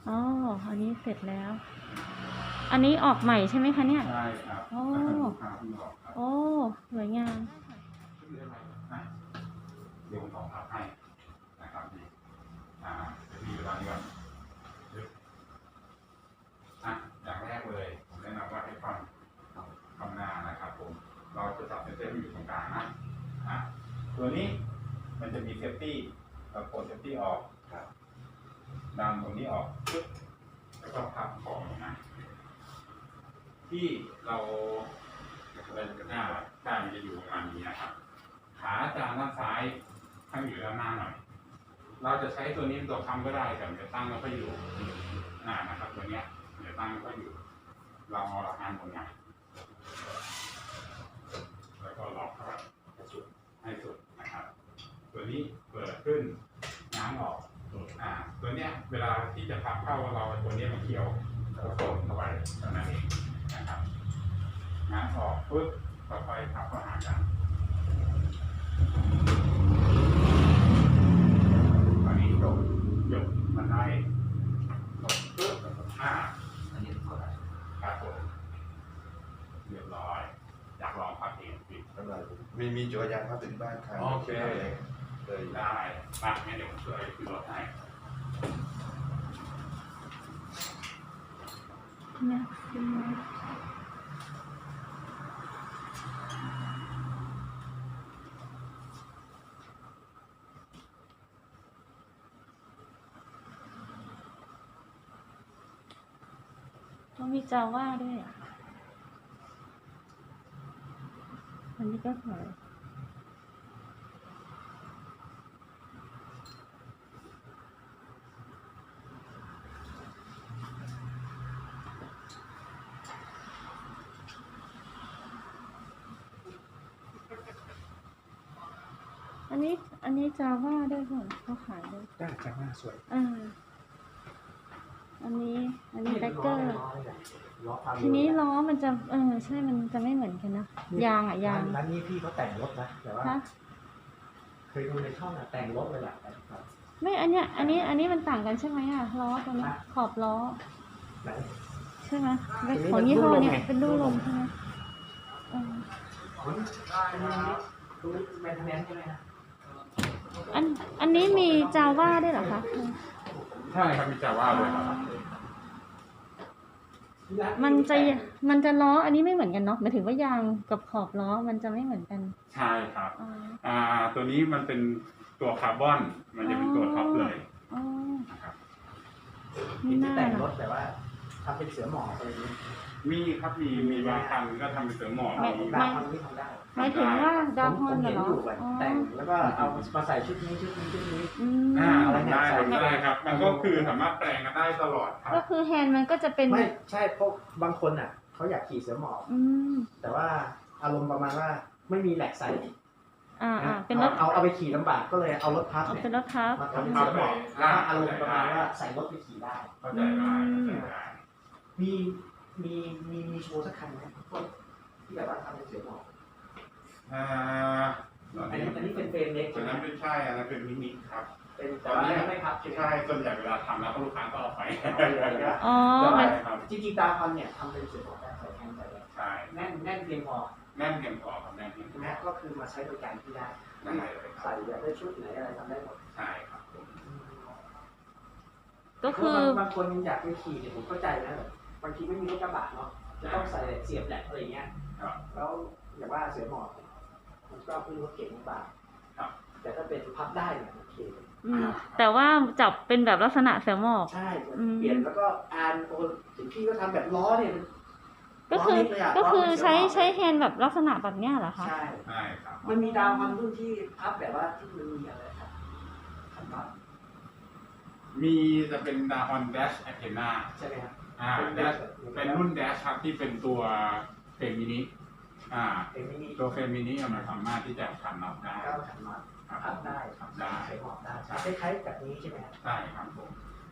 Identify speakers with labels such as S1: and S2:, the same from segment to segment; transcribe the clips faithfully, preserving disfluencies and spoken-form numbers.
S1: อ๋ออันนี้เสร็จแล้วอันนี้ออกใหม่ใช่ไหมคะเนี่ย
S2: ใช่ครับโอ้
S1: โอ้สวยงาม
S2: เดี๋ยวผมต่อครับให้นะครับดีอ่าจะมีเวลานี้ก่อนอ่ะอย่างแรกเลยผมแนะนำว่าให้ฟังคำหน้านะครับผมเราจะจับเซนเซอร์อยู่ตรงกลางนะอ่ะตัวนี้มันจะมีเซฟตี้เรากดเซฟตี้ออกดันตรงนี้ออกปึ๊บแล้วก็พับของนะที่เราหน้าด้านมันจะอยู่ประมาณนี้นะครับขาจานด้านซ้ายตั้งอยู่ด้านหน้าหน่อยเราจะใช้ตัวนี้เป็นตัวค้ำก็ได้แต่จะตั้งแล้วก็อยู่หน้านะครับตัวเนี้ยเดี๋ยวตั้งแล้วก็อยู่เราเอาหลักงานบนไงแล้วก็ล็อกเข้าไปสุดให้สุดนะครับตัวนี้เปิดขึ้นง้างออกอ่าตัวเนี้ยเวลาที่จะพับเข้าเราตัวนี้มันเกี่ยวกระโดดเข้าไปเท่านั้นเองนะครับง้างออกปึ๊บค่อยๆพับเข้าหากันตอนนี้ยกยกมันได้ยกปึ๊บอ่าอันนี้ตัวอะไรครับผมเรียบร้อยอยากลองพับเองปิดเท่าไหร่
S3: มีมีจักรยานพับถึงบ้านครับ
S2: โอเคเลยได้มางั้นเดี๋ยวผมช่วยขึ้นรถให้
S1: เนี่ยต้องมีจาว่าด้วยอันนี้ก็สวยอันนี้อันนี้จาว่าด้วยค่ะเขาขายด้วย
S3: ได้จาว่าสวย
S1: อ่าอันนี้อันนี้แบคเกอร์ทีนี้ล้อมันจะเออใช่มันจะไม่เหมือนกันนะยางอ่ะยาง
S4: ร้านนี้พี่เขาแต่งรถนะแต่ว่าเคยดูในช่องอะแต่งรถเลยแหละ
S1: ไม่อันเนี้ยอันนี้อันนี้มันต่างกันใช่ไหมอ่ะล้อตัวนี้ขอบล้อใช่ไหมของยี่ห้อนี้เป็นดูลมใช่ไหมอันอันนี้มีจาว่าด้วยเหรอคะ
S2: ใช่ครับมีจาว่าด้วยครับ
S1: มันจะมันจะล้ออันนี้ไม่เหมือนกันเนาะหมายถึงว่ายางกับขอบล้อมันจะไม่เหมือนกัน
S2: ใช่ครับอ่าตัวนี้มันเป็นตัวคาร์บอนมันจะเป็นตัวท็อปเลย
S1: อ๋อ
S2: นะครับ
S4: มีแต่งรถแต่ว่าทำเป็นเสือหมอบอะไรนี้
S2: มีครับมีมีบางคันก็ทำเป็นเสือหมอบ
S4: ดาวพันที่ทำได้
S1: หมายถึงว่าดาวพันเหรอ
S4: แต่งแล้วก็เอามาใส่ชุดนี้ชุดนี้ชุดนี้
S2: อ่าได้ได้ครับมันก็คือสามารถแปลงกันได้ตลอดครับ
S1: ก็คือแฮนด์มันก็จะเป็น
S4: ไม่ใช่เพราะบางคนอ่ะเขาอยากขี่เสือหมอบแต่ว่าอารมณ์ประมาณว่าไม่มีแหลกใส่
S1: อ่าอ่าเป็นรถ
S4: เอาเอาไปขี่ลำบากก็เลยเอารถพับ
S1: เป็นรถพับ
S4: มาทำเป็นเสือหมอบแล้วอารมณ์ประมาณว่าใส่รถไปขี่ได้มีมีมีมีโชว์สักคันไหมที่แบบว่าทำเป็นเสือหมอบ
S2: อ่า
S4: อันนี้อันนี้เป็นเฟรมเล็ก
S2: อันนั้นเป็นใช่อันนั้นเป็นมินิครับ
S4: เป็นตอนนี้ไม่พับ
S2: ใช่ส่วนใหญ่เวลาทำแล้วลูกค้าก็เอาไป
S1: อ๋อ
S4: จริงๆตาพันเนี่ยทำเป็นเสือหมอบได้ใส่แทนใส่ได้
S2: ใช่
S4: แน่นแน่นเพียงพอ
S2: แน่นเพียงพอครับแน่นเพียงพอ
S4: แม้ก็คือมาใช้บริการที่ได้ใส่แบบได้ชุดไหนอะไรทำได้หมด
S2: ใช่ครับ
S1: ก็คื
S4: อบางคนอยากไปขี่เนี่ยผมเข้าใจนะบางทีไม่มีรถกระบะเนาะจะต้องใส่เสียบแหลกอะไรเงี้ยแล้วอย่างว่าเสือหมอบมันก็เป็นรถเก๋งบ้างแต่ถ้าเป็นพับได้เนี่ยโอเค
S1: แต่ว่าจับเป็นแบบลักษณะเสือหมอบ
S4: ใช่เปลี่ยนแล้วก็อ่านโอ้ถึงพี่ก็ทำแบบล้อเนี่ย
S1: ก็คือก็คือใช้ใช้แฮนด์แบบลักษณะแบบเนี้ยเหรอคะ
S4: ใช่
S2: ใช่ครับ
S4: มันมีดาวมันรุ่นที่พับแบบว่าที่มันมีอะไรครับขันน็อต
S2: มีจะเป็นดาวน์แดชแอคเทนา
S4: ใช่ไหมครับ
S2: อ่าแดชเป็นรุ่นแดชครับที่เป็นตัวเฟรมมินิอ่าตัวเฟรมมินิมันสามารถที่จะขันน็อตได้
S4: ขันน็อตพับได้ขับได้ใช้หอบได้คล้ายๆแบบนี้ใช่ไหม
S2: ใช่ครับผม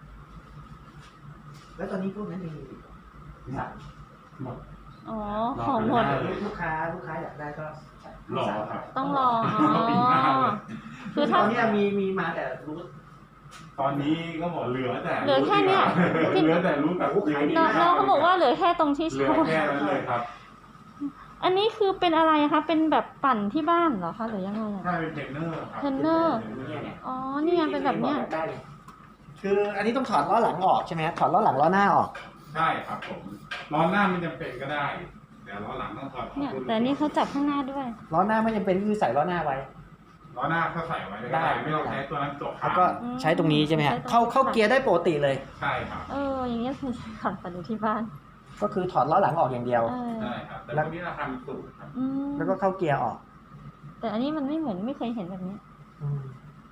S4: แล้วตอนนี้พวกนั้นมีสั่ง
S2: หมด
S1: อ๋อของหมด
S4: ลูกค้าลูกค้าอยากได้ก็
S2: รอครับ
S1: ต้องรอ
S4: คือตอนนี้มีมีมาแต่รู้
S2: ตอนนี้ก็บอกเหลือแต่
S1: เหลือแค่เนี้ย
S2: เหลือแต่รู้กับ
S1: น้องน้องเขาบอกว่าเหลือแค่ตรงที่
S2: เหลือ
S1: เช่า
S2: แค่นั้นเลยครับ
S1: อันนี้คือเป็นอะไรคะเป็นแบบปั่นที่บ้านเหรอคะหรือยังไงอะ
S2: ใช่เป็นเทรนเนอร์ครับ
S1: เทรนเนอร์
S4: เนี่ยเนี่ย
S1: อ๋อนี่ไงเป็นแบบเนี้ย
S4: ได้เลยคืออันนี้ต้องถอดล้อหลังออกใช่ไหมฮะถอดล้อหลังล้อหน้าออก
S2: ใช่ครับผมล้อหน้าไม่จำเป็นก็ได้แต่ล้อหลังต้องถอดออก
S1: เนี่ยแต่นี่เขาจับข้างหน้าด้วย
S4: ล้อหน้าไม่จำเป็นคือใส่ล้อหน้าไว้
S2: ล้อหน้าเขาใส่ไว้ก็
S4: ได้
S2: ได้ไม่ต้องใช้ตัวนั้นจบ
S4: แล้วก็
S1: อืม
S4: ใช้ตรงนี้ใช่ไหมฮะ
S1: ใช้ตรง
S4: เข้าเข้าเกียร์ได้ปกติเลย
S2: ใช่ครับ
S1: เอออย่างเงี้ยคือขับปั่นอยู่ที่บ้าน
S4: ก็คือถอดล้อหลังออกอย่างเดียว
S1: เออ
S2: ใช่ครับแต่พวกนี้เราทำสูตรครับ
S1: อืม
S4: แล้วก็เข้าเกียร์ออก
S1: แต่อันนี้มันไม่เหมือนไม่เคยเห็นแบบนี้
S4: อืม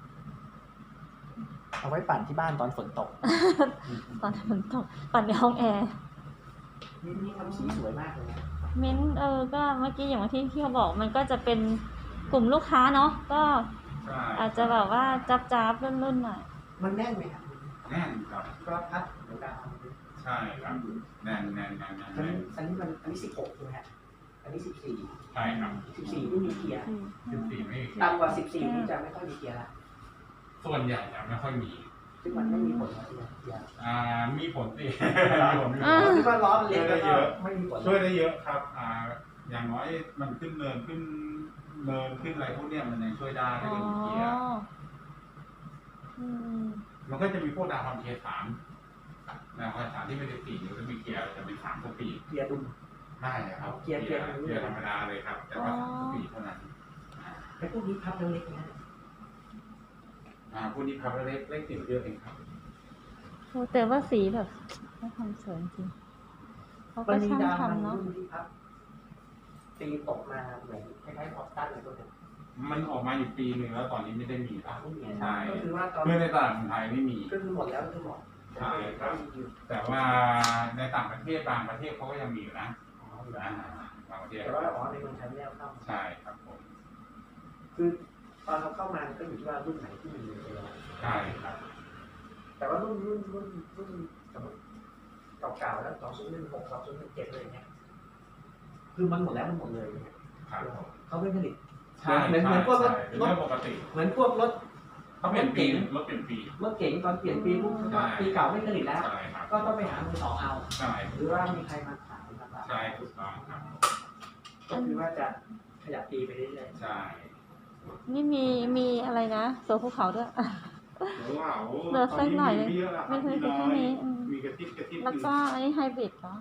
S4: เอาไว้ปั่นที่บ้านตอนฝนตก
S1: ตอนฝนตกปั่นในห้องแอร์
S4: นี่นี่ทำสีสวยมากเลยนะ
S1: เม้นเออก็เมื่อกี้อย่างที่ที่เขาบอกมันก็จะเป็นกลุ่มลูกค้าเนาะก็
S2: ใช่
S1: อาจจะแบบว่าจับจับรุ่นรุ่นๆหน่อย
S4: มันแน่นไหมครับ
S2: แน่นครับ
S4: ก็พัดเหมือนกัน
S2: ใช่ครับแน่นแน่นแน่นแน่น
S4: อัน
S2: แน่
S4: นี้
S2: น
S4: อันนี้มันอันนี้สิบหกใช่ไหมฮะอันนี้สิบสี่
S2: ใช่ครับ
S4: สิบสี่ไม่มีเกียร์
S2: สิบสี่ไม่
S4: ต่ำกว่าสิบสี่นี่จะไม่ค่อยมีเกียร์ละ
S2: ส่วนใหญ่จะไม่ค่อยมี
S4: ซึ่งมันไม่มีผลนะที่เกียร์
S2: อ่ามีผลสิมีผลมีผ
S1: อ่า
S2: ล
S4: ที่ว่าล้อมันเล็กแล้วก็ไม่มีผล
S2: ช่วยได้เยอะครับ อ่า อย่างน้อยมันขึ้นเนินขึ้นเนินขึ้นอะไรพวกเนี้ยมันยังช่วยได้ถ้า
S1: อ๋อ
S2: เกิดมีเกียร์
S1: อืม
S2: มันก็จะมีพวกดาวความเกียร์สามดาวความสามที่ไม่ได้สี่นิ้วแล้วมีเกียร์จะเป็นสามสปีด
S4: เกียร์ดุม
S2: ได้ครับ
S4: เกียร์เกียร์
S2: เกียร์ธรรมดาเลยครับ แต่ว่าสามสปีดเท่านั้นอ่า
S4: ไอ้พวกนี้พับเล็กๆนะ
S2: อ่าพวกนี้ครับเล็กเล็กติดเยอะเองครับ
S1: โอ้แต่ว่าสีแบบเขาทำสวยจริงเขาก็
S4: มันมี
S1: ช่าง
S4: ดาว
S1: ทำเนาะ
S4: รุ่นที่พับตีตกมาเหมือนคล้ายๆออกตันอะไรตัวนึง
S2: มันออกมาอยู่ปีหนึ่งแล้วตอนนี้ไม่ได้มีแล้ว
S4: ไม่มี
S2: ใช่
S4: ก็คือว่าตอน
S2: เพื่อในตลาดของไทยไม่มี
S4: ก็คือหมดแล้วคือหมด
S2: ใช่ครับ แต่ว่าในต่างประเทศบางประเทศเขาก็ยังมีอยู่นะอ่าบางประเทศ
S4: แต่ว่าอ๋อในเมืองไทยไม่ได้เอาเข้า
S2: ใช่ครับผม
S4: คือตอนเราเข้ามาก็อยู่ที่ว่ารุ่นไหนที่มีเออ
S2: ใช่ครับ
S4: แต่ว่ารุ่นรุ่นรุ่นรุ่นสมมติเก่าๆแล้วสองศูนย์หนึ่งหกสองศูนย์หนึ่งเจ็ดเลยเนี้ยคือมันหมดแล้วมันหมดเลยเนี่ย
S2: ครับ
S4: เขาไม่ผลิต
S2: ใช่
S4: เหมือนเหมือนพวกรถ
S2: ใช่เป็นเรื่องปกติ
S4: เหมือนพวกรถ
S2: เขาเปลี่ยนปีรถเปลี่ยนปี
S4: รถเก๋งตอนเปลี่ยนปีปุ๊บก็ปีเก่าไม่ผลิตแล้ว
S2: ใช่ครับ
S4: ก็ต้องไปหามือสองเอา
S2: ใช่
S4: หรือว่ามีใครมาขายมาขาย
S2: ใช่ถูกต้องครับ
S4: ก็คือว่าจะขยับปีไปเรื่อย
S2: ใช่
S1: นี่มีมีอะไรนะโซภูเขาด้วย
S2: ว้าว
S1: เหลือสักหน่อยเลย
S2: ตมีเยอะแล้วครับ
S1: ไม่เคย
S2: มี
S1: แค่นี้อืม
S2: มีกระติบกระติบ
S1: แล้วก็อันนี้ไฮบริดเหรอ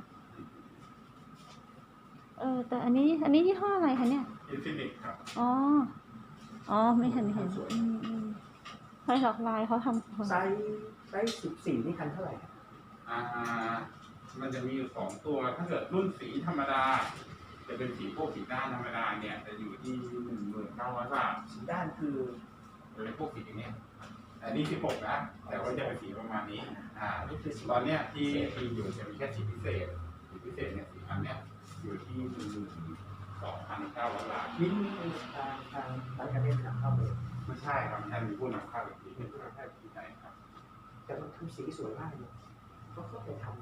S1: เออแต่อันนี้อันนี้ยี่ห้ออะไรคะเนี่ย
S2: อินฟินิตครับ
S1: อ๋อ อ๋อ ไม่เห็นเห็นอืมอืมไฟหลอกลายเขาทำสวย
S4: ๆไซส์ไซส์สิบสี่นี่คันเท่าไหร่
S2: อ่ามันจะมีอยู่สองตัวถ้าเกิดรุ่นสีธรรมดา จะเป็นสีพวกสีด้านธรรมดาเนี่ยจะอยู่ที่หนึ่งหมื่นเก้าร้อยบาท
S4: สีด้านคือ
S2: เป็นพวกสีอย่างเนี้ยอันนี้สิบหกนะแต่ว่าจะเป็นสีประมาณนี้อ่า
S4: นี่คือสี
S2: ตอนเนี้ยที่ที่อยู่จะมีแค่สีพิเศษสีพิเศษเนี่ยสีอันเนี้ยอยู่ที่หนึ่งหมื่นสองพันเก้าร้อยบาท
S4: ลิ้นนี่ทางทางร้านการเล่นนำเข้าเลย
S2: ไม่ใช่ครับท่านมีผู้นำเข้าอีกทีเป็นผู้นำเข้าอีกทีไหนครับ
S4: แต่มันทำสีสวยมากเลยก็เข้าไปทำ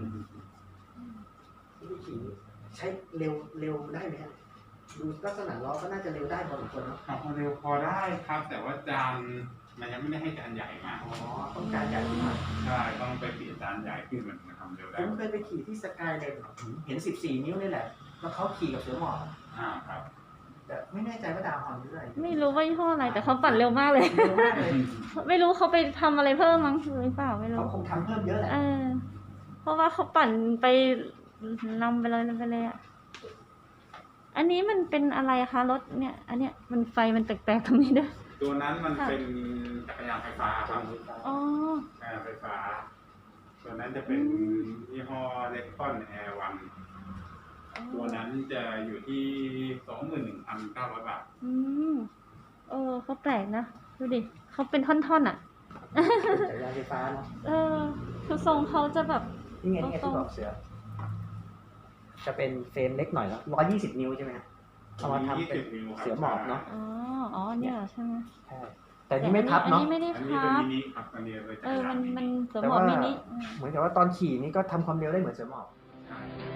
S4: นี่คือขี่ใช้เร็วเร็วได้ไหมฮะดูลักษณะล้อก็น่าจะเร็วได้พอสมควรเนาะ
S2: ขับมาเร็วพอได้ครับ แต่ว่าจานมันยังไม่ได้ให้จานใหญ่มา
S4: อ๋อต้องการใหญ่ขึ้นมา
S2: ใช่ต้องไปเปลี่ยนจานใหญ่ขึ้นมันทำเร็ว
S4: ผ
S2: ได้
S4: มเคยไปขี่ที่สกายเลนเห็นสิบสี่นิ้วนี่แหละแล้วเขาขี่กับเสือหมอบ
S2: อ่าครับ
S4: แต่ไม่แน่ใจว่าดาวฮอนหรืออะไร
S1: ไม่รู้ว่ายี่ห้ออะไร แต่เขาปั่นเร็วมากเลย
S4: เร็วมากเลย
S1: ไม่รู้เขาไปทำอะไรเพิ่มมั้งหรือเปล่าไม่รู้
S4: เขาคงทำเพิ่มเยอะแหละ
S1: เออ เพราะว่าเขาปั่นไปนำไปเลยไปเลยอ่ะ อันนี้มันเป็นอะไรคะรถเนี่ย อันเนี้ยมันไฟมันแปลกๆตรงนี้ด้วย
S2: ตัวนั้นมันเป็นจักรยานไฟฟ้าครับ
S1: อ๋อ
S2: จักรยานไฟฟ้า ตัวนั้นจะเป็นยี่ห้อเล็กคอนแอร์วันตัวนั้นจะอยู่ที่สองหมื่นหนึ่งพันเก้าร้อยบาท
S1: อืมเออเขาแปลกนะ ดูดิเขาเป็นท่อนๆอ่ะ
S4: จักรยานไฟฟ้าเนาะ
S1: เออ คือทรงเขาจะแบบ
S4: นี่ไงนี่ไงที่บอกเสือ จะเป็นเฟรมเล็กหน่อยแล้วร้อยยี่สิบนิ้วใช่ไหมฮะเอามาทำเป็นเสือหมอบเนาะ
S1: อ๋อ อ๋อเนี่ยเหรอใช่ไหม
S4: ใช่แต่นี่ไม่พับ
S1: อัน
S4: เนาะ
S1: นี้ไม่ได้
S2: อันนี้
S1: พั
S2: เป็น
S1: บ
S2: มินิครับอันนี้เป็นจั
S1: เอก อย
S2: า
S1: มัน น
S2: มิ
S1: มัน
S2: นิ
S1: สวมหมอบมินิ
S4: เหมือนกับว่าตอนขี่นี่ก็ทำความเร็วได้เหมือนเสือหมอบ
S2: ใช่